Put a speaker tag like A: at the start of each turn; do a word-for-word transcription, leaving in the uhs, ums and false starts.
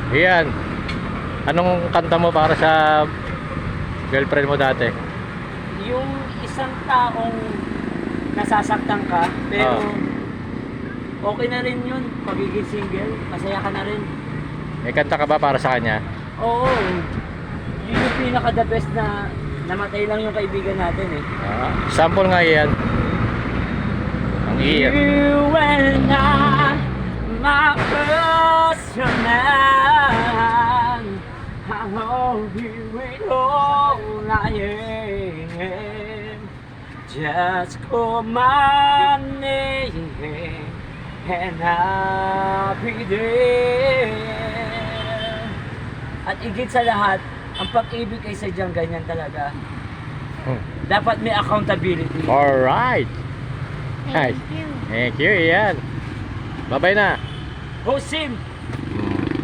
A: Iyan. Anong kanta mo para sa girlfriend mo dati?
B: Yung isang taong nasasaktan ka, pero okay na rin yun, pagiging single, masaya ka na rin.
A: May kanta ka ba para sa kanya?
B: Oo, yun yung pinaka the best na namatay lang yung kaibigan natin eh.
A: Ah, sample nga iyan. Ang iyan.
B: You and I, my personal man, I know you with all I am. Just call my name and I'll be there. At higit sa lahat, ang pag-ibig ay sadyang ganyan talaga.
A: Hmm.
B: Dapat may accountability.
A: Alright.
C: Thank you.
A: Thank you, iyan. Bye-bye na.
B: Hosim!